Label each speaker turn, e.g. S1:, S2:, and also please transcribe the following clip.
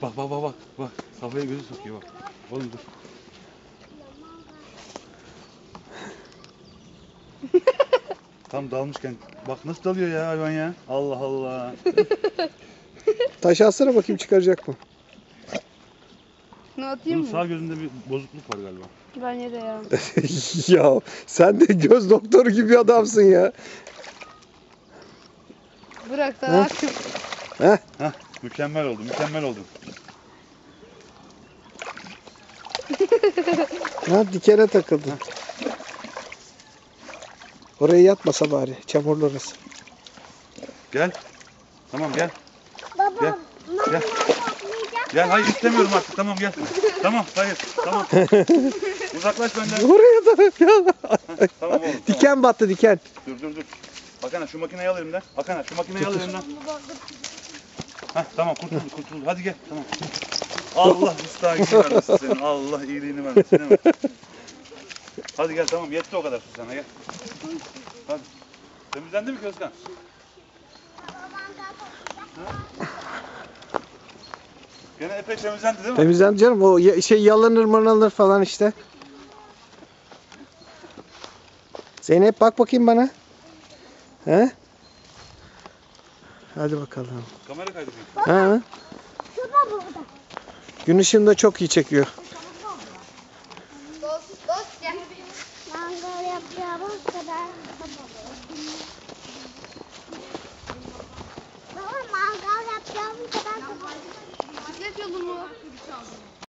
S1: Bak bak bak bak. Bak kafaya gözü sokuyor bak. Oğlum dur. Tam dalmışken. Bak nasıl dalıyor ya hayvan ya. Allah Allah.
S2: Taş atsana bakayım çıkaracak mı?
S3: Ne atayım
S1: Bunun
S3: mı?
S1: sağ gözünde bir bozukluk var galiba.
S3: Bence de ya.
S2: Ya sen de göz doktoru gibi adamsın ya.
S3: Bırak da
S2: Hı?
S3: akşam.
S1: Hah mükemmel oldu mükemmel oldu.
S2: Ha, dikene takıldı. Oraya yatmasa bari. Çamurlu orası.
S1: Gel. Tamam gel.
S4: Baba,
S1: Gel,
S4: mama
S1: gel.
S4: toplayacak.
S1: Gel hayır istemiyorum artık tamam gel. Tamam hayır tamam. Uzaklaş benden.
S2: Oraya da ya.
S1: Heh, tamam oğlum. Tamam.
S2: Diken battı diken.
S1: Dur. Akana şu makineyi al elimden. Akana şu makineyi al elimden. Heh tamam kurtuldu. Hadi gel tamam. Allah müstahakini vermesin senin. Allah iyiliğini vermesin değil mi? Hadi gel tamam yetti o kadar su sana gel. Hadi. Temizlendi mi Közkan? Gene epey temizlendi değil mi?
S2: Temizlendi canım. O yalanır mırlanır falan işte. Zeynep bak bakayım bana. He? Hadi bakalım.
S1: Kamera kaydı.
S2: Ha?
S4: Şurada burada.
S2: Gün ışığında çok iyi çekiyor.
S3: Dost gel.
S4: Mangal yapacağımız kadar. Baba mangal yapacağımız kadar.
S3: Bisiklet yolu mu?